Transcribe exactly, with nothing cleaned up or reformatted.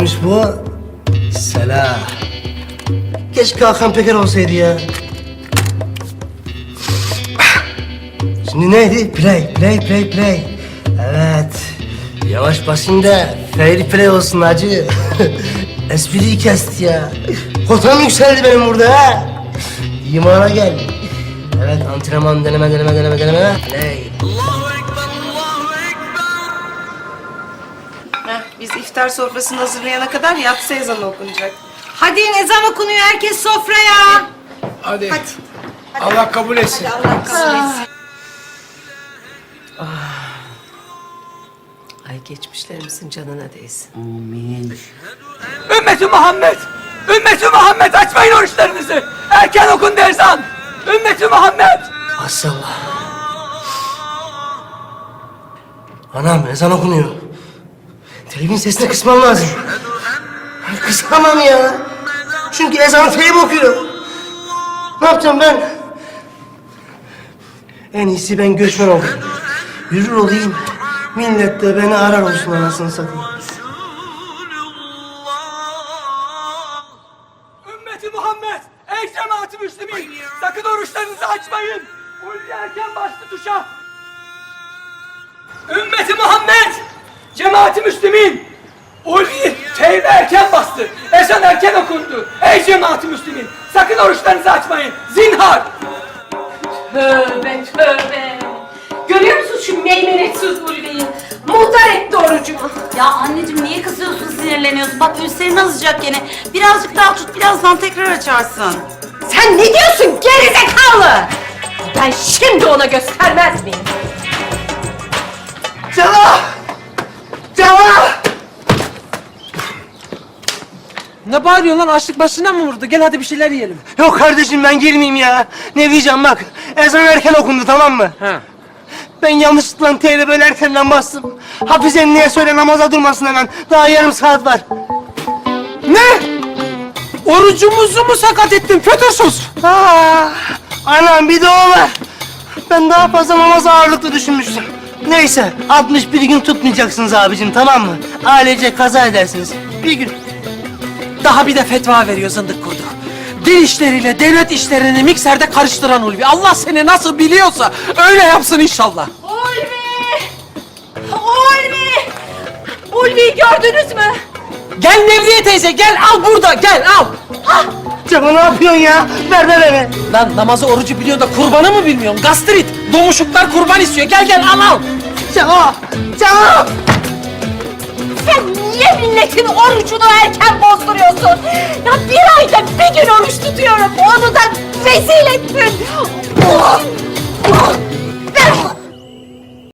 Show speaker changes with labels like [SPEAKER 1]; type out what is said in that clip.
[SPEAKER 1] Bu Selah. Keşke Hakan Peker olsaydı ya. Şimdi neydi? Play, play, play, play. Evet. Yavaş basayım da fair play olsun hacı. Espriyi kesti ya. Kotam yükseldi benim burada ha. İmana gel. Evet, antrenman, deneme, deneme, deneme, deneme. Play.
[SPEAKER 2] Heh, biz iftar sofrasını hazırlayana kadar yatsı ezanı okunacak.
[SPEAKER 3] Hadi ezan okunuyor, herkes sofraya.
[SPEAKER 4] Hadi.
[SPEAKER 2] Hadi.
[SPEAKER 4] Allah kabul etsin.
[SPEAKER 2] Hadi Allah kabul etsin.
[SPEAKER 5] Ay geçmişlerimizin canına değsin.
[SPEAKER 6] Ümmeti Muhammed! Ümmeti Muhammed açmayın oruçlarınızı! Erken okun derzan! Ümmeti Muhammed!
[SPEAKER 1] Maşallah. Anam ezan okunuyor. Televizyon sesini kısmam lazım. Kısamam ya. Çünkü ezan teyip okuyor. Ne yapacağım ben? En iyisi ben göçmen olayım. Yürür olayım. Millet de beni arar olsun anasını satayım.
[SPEAKER 6] Ümmeti Muhammed! Ey cemaat-i Müslümin! Sakın oruçlarınızı açmayın! Ulvi erken bastı tuşa! Ümmeti Muhammed! Cemaat-i Müslümin! Ulvi teybe erken bastı! Ezan erken okundu! Ey cemaat-i Müslümin! Sakın oruçlarınızı açmayın! Zinhar!
[SPEAKER 3] Tövbe tövbe. Görüyor musun şu meymenetsiz Ulvi'yi? Muhtar etti orucumu.
[SPEAKER 7] Ya anneciğim niye kızıyorsun, sinirleniyorsun? Bak Hüseyin azacak gene. Birazcık daha tut, birazdan tekrar açarsın.
[SPEAKER 3] Sen ne diyorsun gerizekalı? Ben şimdi ona göstermez miyim?
[SPEAKER 1] Cevap! Cevap!
[SPEAKER 4] Ne bağırıyorsun lan? Açlık başına mı vurdu? Gel hadi bir şeyler yiyelim.
[SPEAKER 1] Yok kardeşim ben girmeyeyim ya. Ne diyeceğim bak. Ezan erken okundu tamam mı?
[SPEAKER 4] Ha.
[SPEAKER 1] Ben yanlışlıkla teyze böyle erkenden bastım. Hafize emniye söyle namaza durmasın hemen. Daha yarım saat var.
[SPEAKER 4] Ne? Orucumuzu mu sakat ettin Fötürsüz?
[SPEAKER 1] Aa, anam bir de o var. Ben daha fazla namaz ağırlıklı düşünmüştüm. Neyse altmış bir gün tutmayacaksınız abicim tamam mı? Ailece kaza edersiniz. Bir gün.
[SPEAKER 4] Daha bir de fetva veriyor zındık kurdu. Din işleriyle devlet işlerini mikserde karıştıran Ulvi. Allah seni nasıl biliyorsa öyle yapsın inşallah.
[SPEAKER 3] Ulvi! Ulvi! Ulvi'yi gördünüz mü?
[SPEAKER 4] Gel Nevriye teyze gel al burada gel al.
[SPEAKER 1] Cemo ne yapıyorsun ya? Ver ver ver.
[SPEAKER 4] Lan namazı orucu biliyorsun da kurbanı mı bilmiyorsun? Gastrit, domuşuklar kurban istiyor. Gel gel al al.
[SPEAKER 1] Cemo! Cemo!
[SPEAKER 3] Sen niye milletin orucunu erken bozduruyorsun? Ya bir ayda bir gün oruç tutuyorum. Onu da rezil ettin. Oh!